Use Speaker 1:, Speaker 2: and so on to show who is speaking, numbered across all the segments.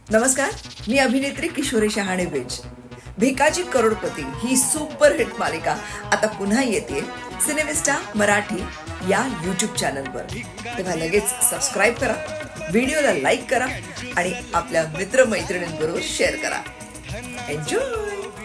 Speaker 1: नमस्कार, मी अभिनेत्री किशोरी शहाणे बेज. भिकाजी करोडपती ही सुपरहिट मालिका आता पुन्हा येते सिनेमिस्टा मराठी या यूट्यूब चॅनलवर. तेव्हा लगेच सबस्क्राईब करा, व्हिडिओला लाईक करा आणि आपल्या मित्रमैत्रिणींबरोबर शेअर करा. एन्जॉय.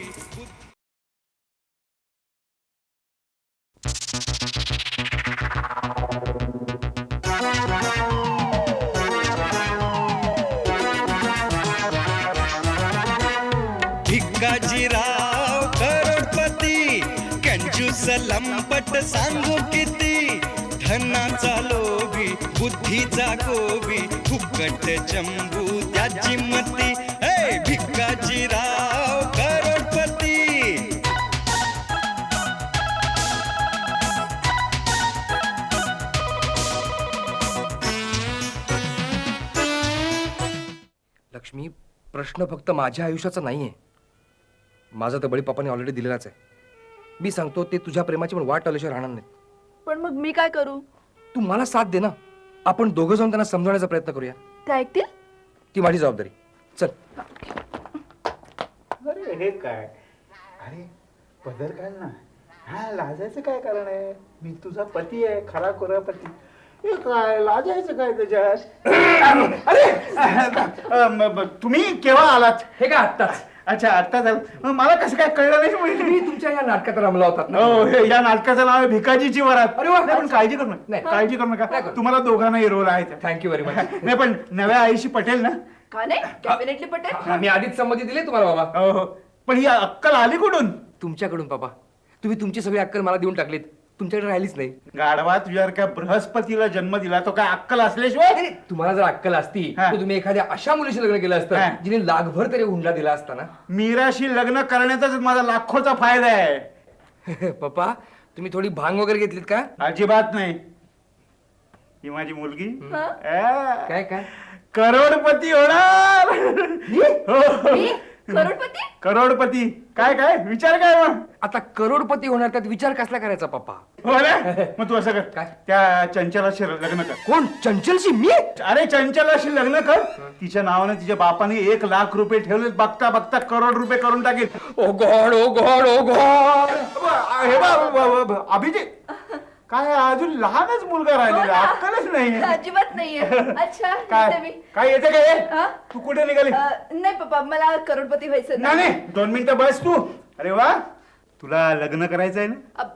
Speaker 2: भिकाजीराव करोडपती कंजूस लंपट सांगू किती, धनाचा लोभी बुद्धीचा गोबी, फुकट चंबू त्याची मती. हे भिकाजीराव करोडपती.
Speaker 3: लक्ष्मी, प्रश्न फक्त माझ्या आयुष्याचा नाहीये. माझा तर बळी पप्पाने ऑलरेडी दिलेलाच आहे. मी सांगतो, ते तुझ्या प्रेमाची पण वाट आल्याशिवाय राहणार नाही.
Speaker 4: पण मग मी काय करू?
Speaker 3: तू मला साथ दे ना. आपण दोघं जाऊन त्यांना समजवण्याचा प्रयत्न करूया.
Speaker 4: ते ऐकतील?
Speaker 3: ती माझी जबाबदारी. चल.
Speaker 5: अरे हे काय? अरे पदर घाल ना. हा, लाजायचं काय कारण आहे? मी तुझा पती आहे, खरा खुरा पती. हे काय लाजायचं काय त्याच्यात? अरे तुम्ही केव्हा आलात?
Speaker 3: हे काय आत्ताच?
Speaker 5: अच्छा, आत्ता झालं. मला कसं काय कळलं नाही?
Speaker 3: मी तुमच्या या नाटकात रमला होतात ना.
Speaker 5: हो, या नाटकाचं नाव आहे भिकाजीची वरात.
Speaker 3: अरे वा.
Speaker 5: नाही, पण काळजी करू नका.
Speaker 3: नाही.
Speaker 5: काळजी करू
Speaker 3: नाही
Speaker 5: नका.
Speaker 3: करू.
Speaker 5: तुम्हाला दोघांनाही रोल आहे.
Speaker 3: Thank you very much.
Speaker 5: नाही, पण नव्या आईशी पटेल ना?
Speaker 4: का नाही? डेफिनेटली पटेल.
Speaker 3: मी आधीच संमती दिली तुम्हाला बाबा.
Speaker 5: हो हो. पण ही अक्कल आली कुठून?
Speaker 3: तुमच्याकडून बाबा. तुम्ही तुमची सगळी अक्कल मला देऊन टाकलीत. तुमच्याकडे राहिलीच नाही.
Speaker 5: गाढवा, तुझ्यावर बृहस्पतीला जन्म दिला, तो काय अक्कल असल्याशिवाय?
Speaker 3: नाही, तुम्हाला जर अक्कल असती
Speaker 5: हा.
Speaker 3: तर तुम्ही एखाद्या अशा मुलीशी लग्न केलं
Speaker 5: हा.
Speaker 3: असतं जिने लाखभर तरी हुंडा दिला असता ना.
Speaker 5: मीराशी लग्न करण्याचाच माझा लाखोचा फायदा आहे.
Speaker 3: पप्पा, तुम्ही थोडी भांग वगैरे घेतलीत का?
Speaker 5: अजिबात नाही. ही माझी मुलगी
Speaker 3: काय काय?
Speaker 5: करोडपती होणार. हो.
Speaker 4: मी करोडपती?
Speaker 5: करोडपती. काय काय विचार काय मग?
Speaker 3: आता करोडपती होणार, त्यात विचार कसला करायचा पप्पा?
Speaker 5: हो ना. मग तू असं कर,
Speaker 3: काय?
Speaker 5: त्या चंचलाशी लग्न कर.
Speaker 3: कोण? चंचलशी? मी?
Speaker 5: अरे चंचलाशी लग्न कर. तिच्या नावाने तिच्या बापाने 1,00,000 रुपये ठेवले. बघता बघता करोड रुपये करून टाकेल.
Speaker 3: Oh God, oh God, oh God.
Speaker 5: हे बा अभिजित, काय अजून लहानच मुलगा राहिलेला, अक्कलच नाही.
Speaker 4: अजिबात नाहीये. अच्छा, येते मी.
Speaker 5: काय येते काय?
Speaker 4: हा?
Speaker 5: तू कुठे निघाली?
Speaker 4: नाही पप्पा, मला करोडपती व्हायचं
Speaker 5: नाही नाही, 2 मिनिटं बस तू. अरे वा, तुला लग्न करायचंय ना?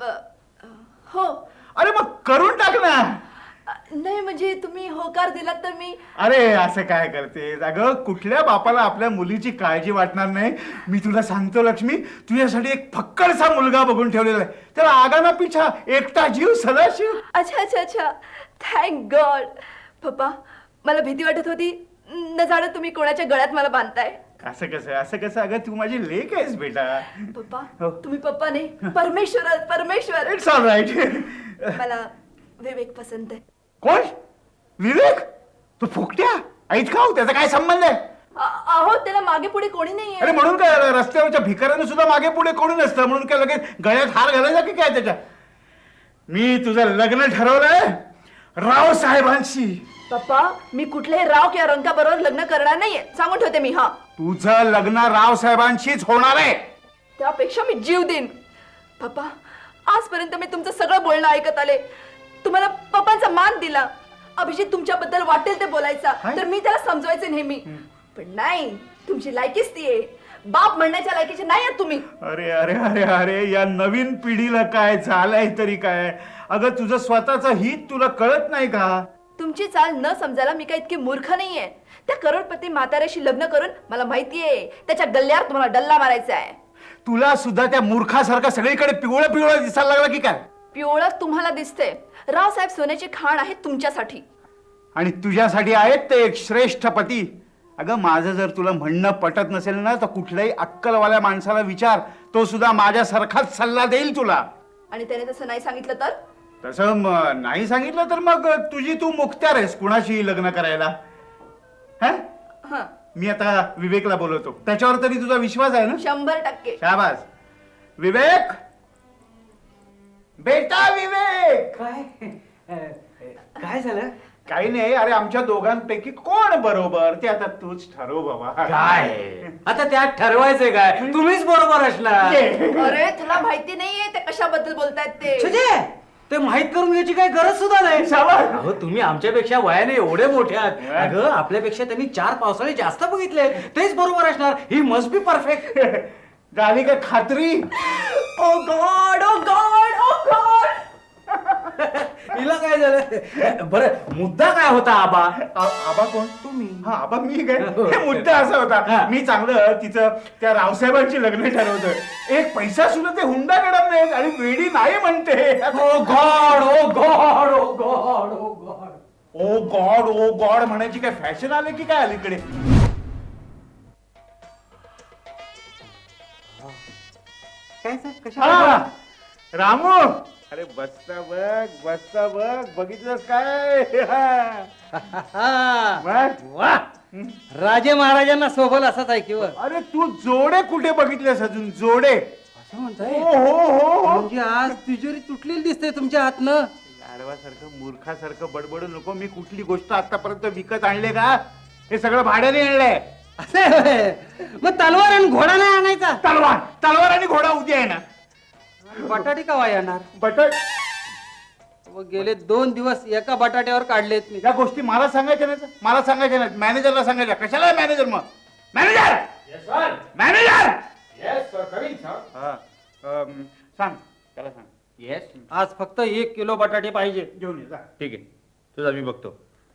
Speaker 4: हो.
Speaker 5: अरे मग करून टाक ना.
Speaker 4: नाही म्हणजे तुम्ही होकार दिलात तर मी.
Speaker 5: अरे असं काय करते? अगं, कुठल्या बापाला आपल्या मुलीची काळजी वाटणार नाही? मी तुला सांगतो लक्ष्मी, तुझ्यासाठी एक फक्कडसा मुलगा बघून ठेवलेला आहे. त्याला आगाना पिछा एकटा जीव सदाशिव.
Speaker 4: अच्छा अच्छा अच्छा, थँक गॉड. पप्पा, मला भीती वाटत होती, न जाणं तुम्ही कोणाच्या गळ्यात मला बांधताय.
Speaker 5: असं कसं असं कसं? अगं, तू माझी लेक आहेस बेटा.
Speaker 4: पप्पा,
Speaker 5: हो.
Speaker 4: तुम्ही पप्पा नाही, परमेश्वर परमेश्वर.
Speaker 5: It's all right.
Speaker 4: मला विवेक पसंत आहे.
Speaker 5: कोण? विवेक? तो फुकट्या ऐत का? त्याचा काय संबंध आहे?
Speaker 4: अहो, त्याला मागे पुढे कोणी नाहीये.
Speaker 5: अरे म्हणून काय रस्त्यावरच्या भिकाऱ्यानं सुद्धा मागे पुढे कोणी नसतं म्हणून काय लगेच गळ्यात हार घालायचा की काय त्याच्या? मी तुझं लग्न ठरवलंय राव साहेबांशी.
Speaker 4: पप्पा, मी कुठल्याही राव किंवा रंका बरोबर लग्न करणार नाहीये, सांगून ठेवते मी. हा,
Speaker 5: तुझं लग्न राव साहेबांशीच होणार आहे.
Speaker 4: त्यापेक्षा मी जीव देईन. पप्पा, आजपर्यंत मी तुमचं सगळं बोलणं ऐकत आले. तुम्हाला पप्पांचा मान दिला. अभिजित तुमच्याबद्दल वाटेल ते बोलायचा, तर मी त्याला समजवायचे नेहमी. पण नाही, तुमची लायकीच ती आहे. बाप म्हणण्याच्या लायकीचे नाही आहात तुम्ही.
Speaker 5: अरे अरे अरे अरे, या नवीन पिढीला काय झालंय तरी काय? अगं, तुझं स्वतःचं हित तुला कळत नाही का?
Speaker 4: तुमची चाल न समजायला मी काय इतकी मूर्ख नाहीये. त्या करोडपती म्हाताऱ्याशी लग्न करून मला माहितीये त्याच्या गल्ल्यावर तुम्हाला डल्ला मारायचा आहे.
Speaker 5: तुला सुद्धा त्या मूर्खासारखा सगळीकडे पिवळं पिवळं दिसायला लागला की काय?
Speaker 4: पिवळं तुम्हाला दिसते. रावसाहेब सोन्याची खाण आहे तुमच्यासाठी.
Speaker 5: आणि तुझ्यासाठी आहेत ते एक श्रेष्ठ पती. अगं, माझं जर तुला म्हणणं पटत नसेल ना, तर कुठल्याही अक्कलवाल्या माणसाला विचार, तो सुद्धा माझ्यासारखाच सल्ला देईल तुला.
Speaker 4: आणि त्याने तसं नाही सांगितलं तर?
Speaker 5: तसं नाही सांगितलं तर मग तुझी तू मुक्त्यार आहेस कुणाशी लग्न करायला.
Speaker 4: हं,
Speaker 5: मी आता विवेकला बोलवतो. त्याच्यावर तरी तुझा विश्वास आहे ना?
Speaker 4: 100%.
Speaker 5: शाबास. विवेक, बेटा विवेक.
Speaker 6: काय काय झालं?
Speaker 5: काही नाही, अरे आमच्या दोघांपैकी कोण बरोबर ते आता तूच ठरव बाबा.
Speaker 6: काय आता त्यात ठरवायचंय काय? तुम्हीच बरोबर असणार.
Speaker 4: अरे तुला माहिती नाहीये ते कशाबद्दल बोलतायत ते.
Speaker 6: छजे, ते माहित करून घ्यायची काही गरज सुद्धा नाही.
Speaker 5: शाबास.
Speaker 6: अहो तुम्ही आमच्यापेक्षा वयाने एवढे मोठे आहात. अगं आपल्यापेक्षा त्यांनी 4 पावसाळे जास्त बघितले, तेच बरोबर असणार. ही मस्ट बी परफेक्ट.
Speaker 5: झाली का खात्री?
Speaker 4: Oh God oh God oh God.
Speaker 6: हिला काय झालं? बरं मुद्दा काय होता आबा?
Speaker 5: आबा कोण?
Speaker 6: तुम्ही.
Speaker 5: हा आबा मी काय? हे मुद्दा असा होता, मी चांगलं तिचं त्या रावसाहेबांची लग्न ठरवतोय. एक पैसा सुद्धा ते हुंडा करत नाही आणि वेडी नाही म्हणते.
Speaker 6: Oh God oh God oh God oh God.
Speaker 5: Oh God oh God म्हणायची काय फॅशन आले की काय अलीकडे?
Speaker 6: काय सर
Speaker 5: हा,
Speaker 6: कशा?
Speaker 5: रामू, अरे बसता बघ बघितलंस काय? बघ.
Speaker 7: वा राजे महाराजांना सोबल असाच आहे किंवा
Speaker 5: अरे तू जोडे कुठे बघितलेस अजून? जोडे?
Speaker 7: असं म्हणताय
Speaker 5: हो हो हो हो.
Speaker 7: म्हणजे आज तिजोरी तुटलेली दिसते तुमच्या हातनं.
Speaker 5: गाढवासारखं मूर्खासारखं बडबडू नको. मी कुठली गोष्ट आतापर्यंत विकत आणले का? हे सगळं भाड्याने आणलंय.
Speaker 7: असे होय. मग तलवार आणि घोडा नाही आणायचा?
Speaker 5: तलवार आणि घोडा उद्या आहे ना.
Speaker 7: बटाटे कवा येणार?
Speaker 5: बटट
Speaker 7: व गेले 2 दिवस एका बटाट्यावर काढलेत मी.
Speaker 5: या गोष्टी मला सांगायच्या नाहीत. मला सांगायच्या नाहीत, मॅनेजरला सांगायच्या. कशाला मॅनेजर? मग मॅनेजर मॅनेजर हा, सांग त्याला सांग.
Speaker 7: येस आज फक्त 1 किलो बटाटे पाहिजे.
Speaker 5: घेऊन ये जा.
Speaker 3: ठीक आहे, तुझा मी बघतो.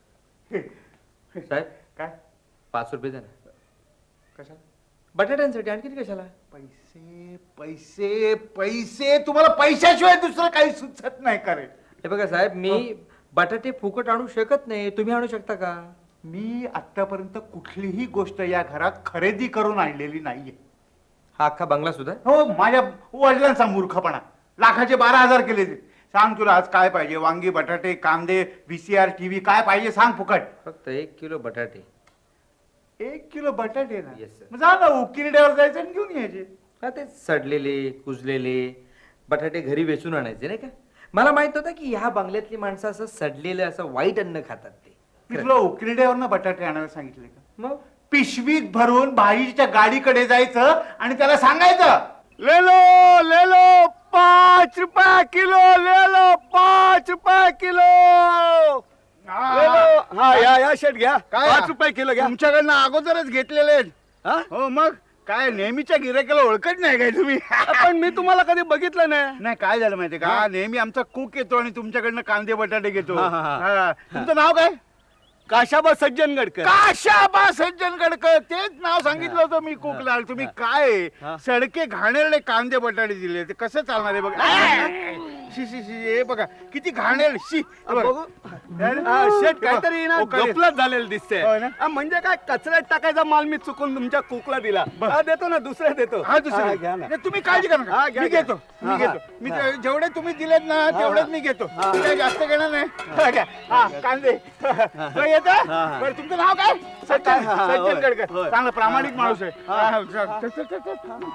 Speaker 3: साहेब
Speaker 5: काय
Speaker 3: 5 रुपये द्या ना.
Speaker 5: कशाला?
Speaker 3: बटाट्यांसाठी. आणखी कशाला?
Speaker 5: पैसे पैसे पैसे. तुम्हाला पैशाशिवाय दुसरं काही सुचत नाही का रे?
Speaker 3: हे बघा साहेब, मी बटाटे फुकट आणू शकत नाही. तुम्ही आणू शकता का?
Speaker 5: मी आतापर्यंत कुठलीही गोष्ट या घरात खरेदी करून आणलेली नाहीये.
Speaker 3: हा अख्खा बंगला सुद्धा?
Speaker 5: हो, माझ्या वडिलांचा मूर्खपणा. लाखाचे 12,000 केले ते. सांग तुला आज काय पाहिजे? वांगी, बटाटे, कांदे, VCR, TV काय पाहिजे सांग फुकट.
Speaker 3: फक्त 1 किलो बटाटे.
Speaker 5: 1 किलो बटाटे ना?
Speaker 3: Yes, sir.
Speaker 5: मग जा ना उकिरड्यावर जायचं आणि घेऊन यायचे.
Speaker 3: हा ते सडलेले कुजलेले बटाटे घरी वेचून आणायचे नाही का? मला माहित होतं की ह्या बंगल्यातली माणसं असं सडलेलं असं वाईट अन्न खातात ते.
Speaker 5: मी तुला उकिरड्यावर बटाटे आणायला सांगितले का?
Speaker 3: मग
Speaker 5: पिशवीत भरून भाईच्या गाडीकडे जायचं आणि त्याला सांगायचं, ले लो 5 रुपये किलो, ले लो 5 रुपये किलो.
Speaker 8: हा या शेट घ्या.
Speaker 5: काय?
Speaker 8: 5 रुपये किलो घ्या.
Speaker 5: तुमच्याकडनं अगोदरच घेतलेले आहेत.
Speaker 8: हा?
Speaker 5: हो मग काय नेहमीच्या गिरायकाला ओळखत नाही काय तुम्ही?
Speaker 8: पण मी तुम्हाला कधी बघितलं नाही.
Speaker 5: नाही काय झालं माहितीये का, नेहमी आमचा कुक येतो आणि तुमच्याकडनं कांदे बटाटे घेतो.
Speaker 8: हा, हा, हा.
Speaker 5: हा. तुमचं नाव काय?
Speaker 8: काशाबा सज्जनगडकर.
Speaker 5: काशाबा सज्जनगडकर. तेच नाव सांगितलं होतं मी कुकला. तुम्ही काय सडके घाणेरडे कांदे बटाटे दिले, ते कसं चालणार आहे बघा. शी शी शी, हे बघा किती घाणेरडे. शी हे बघा.
Speaker 8: बघू. शेट काहीतरी ना
Speaker 5: ओकारे.
Speaker 8: गफलत झालेलं दिसतंय.
Speaker 5: होय ना?
Speaker 8: म्हणजे काय कचऱ्यात टाकायचा माल मी चुकून तुमच्या कुकला दिला. देतो ना, दुसऱ्या देतो.
Speaker 5: हा दुसरं
Speaker 8: घ्या ना.
Speaker 5: नाही, तुम्ही काळजी करा नका.
Speaker 8: हा, घ्या,
Speaker 5: मी
Speaker 8: घ्या.
Speaker 5: घेतो
Speaker 8: हा,
Speaker 5: मी घेतो. मी जेवढे तुम्ही दिलेत ना तेवढेच मी घेतो. मी काही जास्त घेणार नाही. हा, घ्या. हा, कांदे येत. बरं तुमचं नाव काय? सज्जन
Speaker 8: हा, हा,
Speaker 5: सज्जन
Speaker 8: होय,
Speaker 5: गडकर.
Speaker 8: होय.
Speaker 5: चांगला प्रामाणिक माणूस आहे. हा, चल, चल, चल, चल.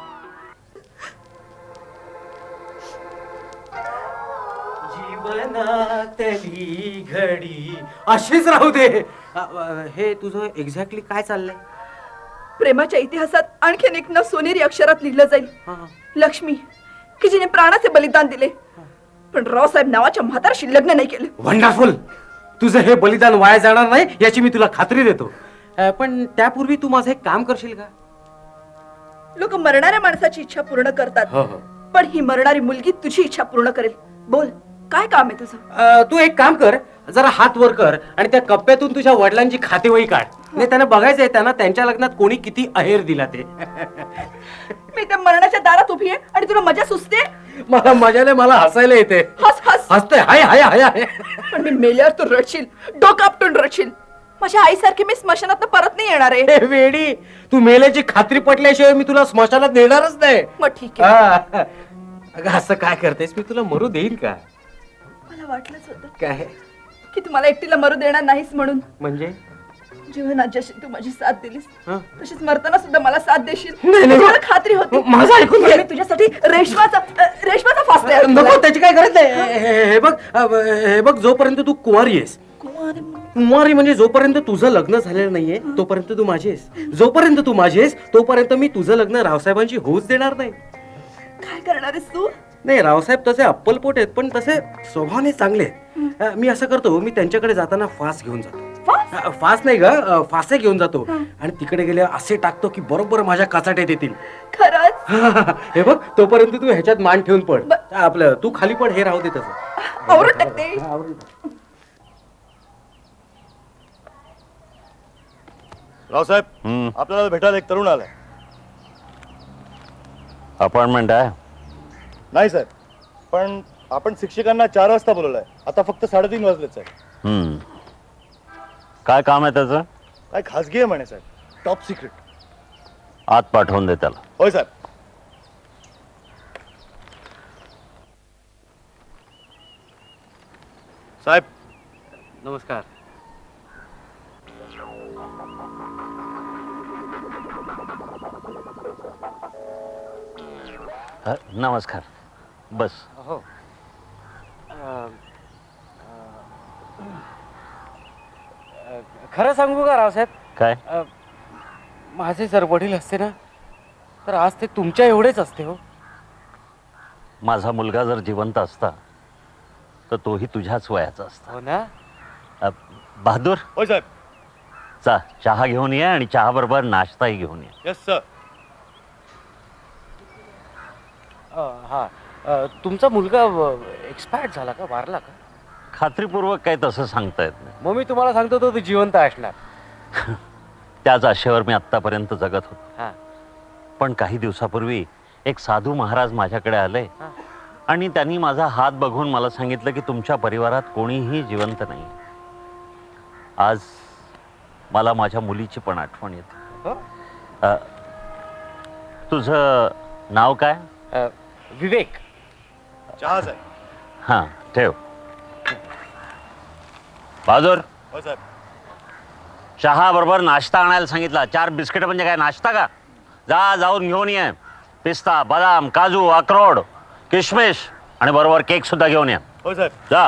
Speaker 6: जीवनातली घडी अशीच राहू दे. हे तुझं एक्झॅक्टली काय चाललंय?
Speaker 4: प्रेमाच्या इतिहासात आणखीन एक नाव सोनेरी अक्षरात लिहिलं जाईल. लक्ष्मी, की जिने प्राणाचे बलिदान दिले पण रावसाहेब नावाच्या म्हातारशी लग्न नाही केलं.
Speaker 6: वंडरफुल. तुझं हे बलिदान वाया जाणार नाही याची मी तुला खात्री देतो. पण त्यापूर्वी तू माझं एक काम करशील का?
Speaker 4: लोक मरणाऱ्या माणसाची इच्छा पूर्ण करतात,
Speaker 6: हो, हो.
Speaker 4: पण ही मरणारी मुलगी तुझी इच्छा पूर्ण करेल. बोल, काय काम आहे तुझं?
Speaker 6: तू एक काम कर, जरा हात वर कर आणि त्या कप्प्यातून तुझ्या वडिलांची खातेवही काढ. नाही त्यांना बघायचंय त्यांना त्यांच्या लग्नात कोणी किती अहेर दिला ते.
Speaker 4: मी त्या मरणाच्या दारात उभी आहे आणि तुला मजा सुचते.
Speaker 6: मला मजाने मला हसायला येते.
Speaker 4: हस हस.
Speaker 6: हसते हाय हाय हाय हाय.
Speaker 4: पण मी मेल्यावर तू रडशील, डोकं आपटून रडशील. माझ्या आईसारखी मी स्मशानात परत नाही येणार आहे.
Speaker 6: हे वेडी, तू मेल्याची खात्री पटल्याशिवाय मी तुला स्मशानात नेणारच नाही.
Speaker 4: मग ठीक आहे.
Speaker 6: हा. अगं असं काय करतेस? मी तुला मरू देईन का?
Speaker 4: मला वाटलंच होतं
Speaker 6: काय
Speaker 4: की तू मला एकटीला मरू देणार नाहीस म्हणून.
Speaker 6: म्हणजे
Speaker 4: जीवनात जशी तू माझी साथ दिलीस
Speaker 6: हं?
Speaker 4: तशीच मरताना सुद्धा मला साथ देशील
Speaker 6: नाही, नाही.
Speaker 4: मला खात्री होती.
Speaker 6: माझं ऐकून घे.
Speaker 4: मी तुझ्यासाठी रेशमाचा फास तयार केलाय.
Speaker 6: नको त्याची काय गरज नाही. हे बघ जोपर्यंत तू कुमारी आहेस
Speaker 4: कुमारी
Speaker 6: कुमारी म्हणजे जोपर्यंत तुझं लग्न झालेलं नाहीये तोपर्यंत तू माझी आहेस, जोपर्यंत तू माझी आहेस तोपर्यंत मी तुझं लग्न रावसाहेबांशी होऊच देणार नाही.
Speaker 4: काय करणार आहेस तू?
Speaker 6: नाही, रावसाहेब तसे अप्पलपोट आहेत पण तसे स्वभावाने चांगले आहेत. मी असं करतो, मी त्यांच्याकडे जाताना फास घेऊन जातो. फास नाही ग, फासे घेऊन जातो आणि तिकडे गेले असे टाकतो की बरोबर माझ्या काचाट्यात येतील.
Speaker 4: खरंच?
Speaker 6: हे बघ, तोपर्यंत तू ह्याच्यात मान ठेवून पड. आपलं तू खाली पड, हे राहू दे तसं.
Speaker 4: आवरून टाकते.
Speaker 6: आवरून टाक.
Speaker 8: रावसाहेब, आपल्याला भेटायला एक तरुण आलाय.
Speaker 9: अपॉइंटमेंट आहे?
Speaker 8: नाही साहेब, पण आपण शिक्षकांना 4 वाजता बोलवलंय. आता फक्त 3:30 वाजलेच आहे.
Speaker 9: काय काम आहे त्याचं?
Speaker 8: काय खासगी आहे म्हणे साहेब, टॉप सिक्रेट.
Speaker 9: आत पाठवून दे त्याला.
Speaker 8: होय साहेब. साहेब,
Speaker 6: नमस्कार.
Speaker 9: नमस्कार. बस.
Speaker 6: हो. खरं सांगू का रावसाहेब?
Speaker 9: काय?
Speaker 6: माझे जर वडील असते ना तर आज ते तुमच्या एवढेच असते. हो,
Speaker 9: माझा मुलगा जर जिवंत असता तर तोही तुझ्याच वयाचा असता.
Speaker 6: हो ना.
Speaker 9: बहादूर,
Speaker 8: होय साहेब.
Speaker 9: चहा घेऊन ये आणि चहा बरोबर नाश्ताही घेऊन ये.
Speaker 8: Yes sir.
Speaker 6: हा, तुमचा मुलगा एक्सपायर्ड झाला का, वारला का?
Speaker 9: खात्रीपूर्वक काही तसं सांगता येत नाही.
Speaker 6: मग मी तुम्हाला सांगतो तो जिवंत असणार.
Speaker 9: त्याच आशेवर मी आत्तापर्यंत जगत होतो.
Speaker 6: हा.
Speaker 9: पण काही दिवसापूर्वी एक साधू महाराज माझ्याकडे आले
Speaker 6: हा.
Speaker 9: आणि त्यांनी माझा हात बघून मला सांगितलं की तुमच्या परिवारात कोणीही जिवंत नाही. आज मला माझ्या मुलीची पण आठवण येते.
Speaker 6: हो?
Speaker 9: तुझं नाव काय?
Speaker 6: विवेक.
Speaker 8: चहा साहेब.
Speaker 9: हां, ठेव. बहादूर,
Speaker 8: होय साहेब.
Speaker 9: चहा बरोबर नाश्ता आणायला सांगितला. 4 बिस्किट म्हणजे काय नाश्ता का? जाऊन घेऊन ये. पिस्ता, बदाम, काजू, अक्रोड, किशमिश आणि बरोबर केक सुद्धा घेऊन ये.
Speaker 8: होय साहेब.
Speaker 9: जा.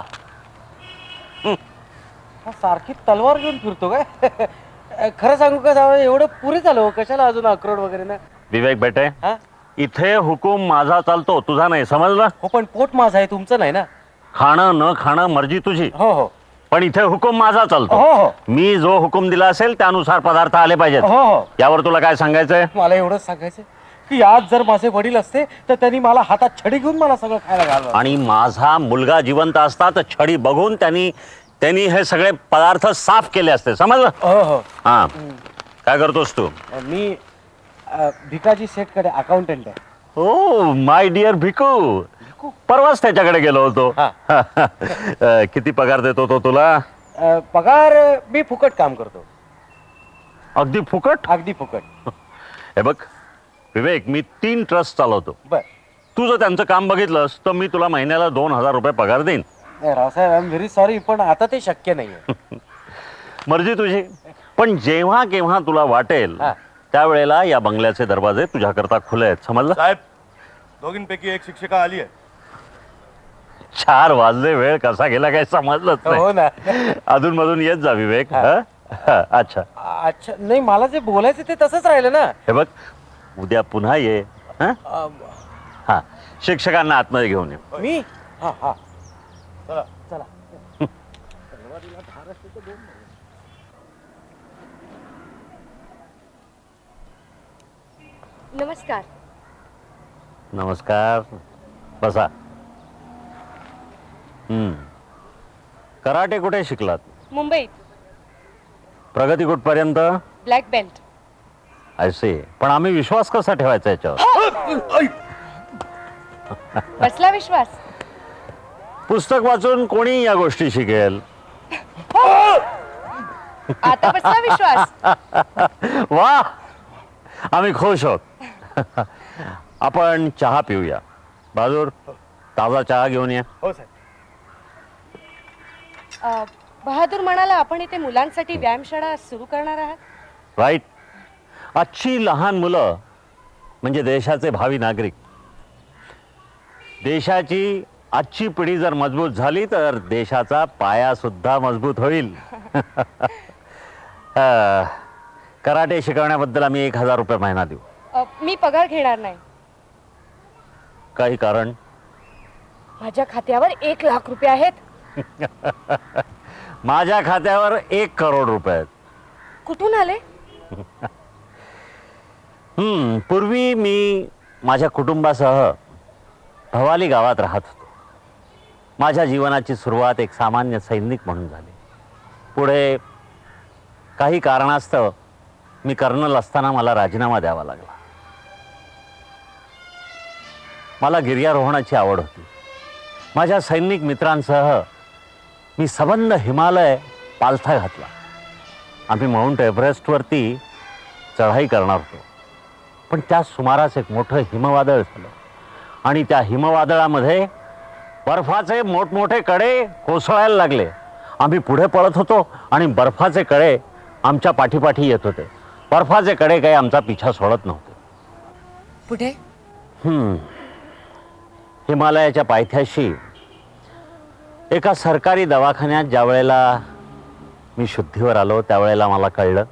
Speaker 6: सारखी तलवार घेऊन फिरतो काय? खरं सांगू का साहेब, एवढं पुरे झालं. कशाला अजून अक्रोड वगैरे ना?
Speaker 9: विवेक बेटे,
Speaker 6: हा?
Speaker 9: इथे हुकूम माझा चालतो, तुझा नाही. समजलं?
Speaker 6: हो, पण पोट माझं आहे, तुमचं नाही ना.
Speaker 9: खाणं न खाणं मर्जी तुझी,
Speaker 6: हो हो
Speaker 9: पण इथे हुकूम माझा चालतो.
Speaker 6: हो हो
Speaker 9: मी जो हुकूम दिला असेल त्यानुसार पदार्थ आले पाहिजेत.
Speaker 6: हो हो.
Speaker 9: यावर तुला काय सांगायचंय?
Speaker 6: मला एवढंच सांगायचं की आज जर माझे वडील असते तर त्यांनी मला हातात छडी घेऊन मला सगळं खायला घालवलं.
Speaker 9: आणि माझा मुलगा जिवंत असता तर छडी बघून त्यांनी हे सगळे पदार्थ साफ केले असते. समजलं?
Speaker 6: हो हो.
Speaker 9: हा. काय करतोस तू?
Speaker 6: मी भिकाजी सेठकडे अकाउंटंट आहे.
Speaker 9: हो, माय डिअर भिकू. परवाच त्याच्याकडे गेलो होतो. किती पगार देतो तो तुला?
Speaker 6: पगार मी फुकट काम करतो.
Speaker 9: अगदी फुकट?
Speaker 6: अगदी फुकट.
Speaker 9: हे बघ विवेक, मी 3 ट्रस्ट चालवतो.
Speaker 6: बर.
Speaker 9: तू जर त्यांचं काम बघितलंस तर मी तुला महिन्याला 2,000 रुपये पगार देईन.
Speaker 6: Raosaheb, I am very sorry, पण आता ते शक्य नाहीये.
Speaker 9: मर्जी तुझी. पण जेव्हा केव्हा तुला वाटेल
Speaker 6: हा.
Speaker 9: त्यावेळेला या बंगल्याचे दरवाजे तुझ्याकरता खुले आहेत. समजलं?
Speaker 8: साहेब, दोघींपैकी एक शिक्षिका आली आहे.
Speaker 9: 4 वाजले, वेळ कसा गेला काही समजलंच
Speaker 6: हो
Speaker 9: नाही.
Speaker 6: ना.
Speaker 9: अधून मधून येत जा विवेक. अच्छा.
Speaker 6: अच्छा, नाही, मला जे बोलायचं ते तसंच राहिलं ना.
Speaker 9: हे बघ, उद्या पुन्हा ये. हा, शिक्षकांना आतमध्ये घेऊन ये.
Speaker 6: मी हा हा
Speaker 8: चला.
Speaker 6: चला.
Speaker 10: नमस्कार.
Speaker 9: नमस्कार. बसा. कराटे कुठे शिकलात?
Speaker 10: मुंबईत.
Speaker 9: प्रगती कुठपर्यंत?
Speaker 10: Black belt.
Speaker 9: असे. पण आम्ही विश्वास कसा ठेवायचा याच्यावर?
Speaker 10: बसला विश्वास?
Speaker 9: पुस्तक वाचून कोणी या गोष्टी शिकेल.
Speaker 10: आता बसला विश्वास?
Speaker 9: वा, आम्ही खुश आहोत. आपण चहा पिऊया. बहादूर, ताजा चहा घेऊन ये.
Speaker 8: हो साहेब.
Speaker 10: बहादूर म्हणाला आपण इथे मुलांसाठी व्यायामशाळा सुरू करणार आहात.
Speaker 9: राईट. आजची लहान मुलं म्हणजे देशाचे भावी नागरिक. देशाची आजची पिढी जर मजबूत झाली तर देशाचा पाया सुद्धा मजबूत होईल. कराटे शिकवण्याबद्दल आम्ही 1,000 रुपये महिना देऊ.
Speaker 10: मी पगार घेणार नाही.
Speaker 9: काही कारण?
Speaker 10: माझ्या खात्यावर 1,00,000 रुपये आहेत.
Speaker 9: माझ्या खात्यावर 1 करोड रुपये आहेत.
Speaker 10: कुठून आले?
Speaker 9: पूर्वी मी माझ्या कुटुंबासह भवाली गावात राहत होतो. माझ्या जीवनाची सुरुवात एक सामान्य सैनिक म्हणून झाली. पुढे काही कारणास्तव मी कर्नल असताना मला राजीनामा द्यावा लागला. मला गिर्यारोहणाची आवड होती. माझ्या सैनिक मित्रांसह मी सबंध हिमालय पालथा घातला. आम्ही माउंट एव्हरेस्टवरती चढाई करणार होतो. पण त्या सुमारास एक मोठं हिमवादळ झालं आणि त्या हिमवादळामध्ये बर्फाचे मोठमोठे कडे कोसळायला लागले. आम्ही पुढे पळत होतो आणि बर्फाचे कडे आमच्या पाठीपाठी येत होते. बर्फाचे कडे काही आमचा पिछा सोडत नव्हते.
Speaker 10: पुढे?
Speaker 9: हिमालयाच्या पायथ्याशी एका सरकारी दवाखान्यात ज्या वेळेला मी शुद्धीवर आलो त्यावेळेला मला कळलं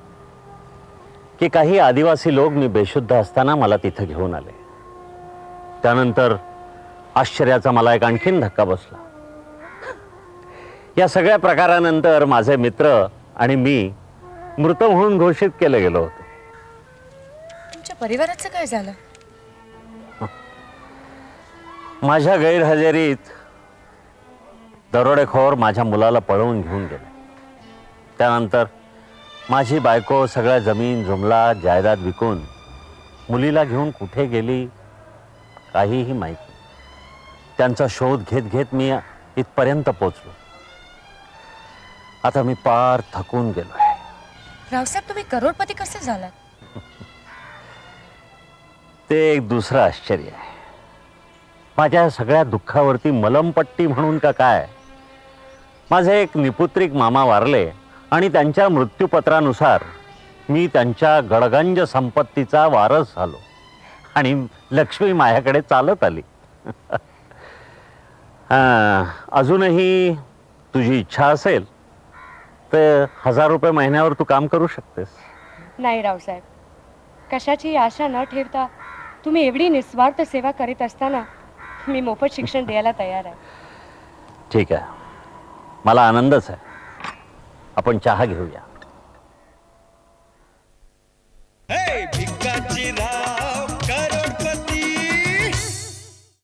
Speaker 9: की काही आदिवासी लोक मी बेशुद्ध असताना मला तिथं घेऊन आले. त्यानंतर आश्चर्याचा मला एक आणखीन धक्का बसला. या सगळ्या प्रकारानंतर माझे मित्र आणि मी मृत म्हणून घोषित केलं गेलो होतो.
Speaker 10: तुमच्या परिवाराचं काय झालं?
Speaker 9: माझ्या गैरहजेरीत दरोडेखोर माझ्या मुलाला पळवून घेऊन गेले. त्यानंतर माझी बायको सगळ्या जमीन जुमला जायदाद विकून मुलीला घेऊन कुठे गेली काहीही माहीत नाही. त्यांचा शोध घेत घेत मी इथपर्यंत पोचलो. आता मी पार थकून गेलोय.
Speaker 10: रावसाहेब, तुम्ही करोडपती कसे झालात?
Speaker 9: ते एक दुसरं आश्चर्य आहे. माझ्या सगळ्या दुःखावरती मलमपट्टी म्हणून का काय, माझे एक निपुत्रिक मामा वारले आणि त्यांच्या मृत्यूपत्रानुसार मी त्यांच्या गडगंज संपत्तीचा वारस झालो आणि लक्ष्मी माझ्याकडे चालत आली. अजूनही तुझी इच्छा असेल तर 1,000 रुपये महिन्यावर तू काम करू शकतेस.
Speaker 10: नाही रावसाहेब, कशाची आशा न ठेवता तुम्ही एवढी निस्वार्थ सेवा करीत असताना मी मोफत शिक्षण द्यायला तयार आहे.
Speaker 9: ठीक आहे, मला आनंदच आहे. आपण चहा घेऊया.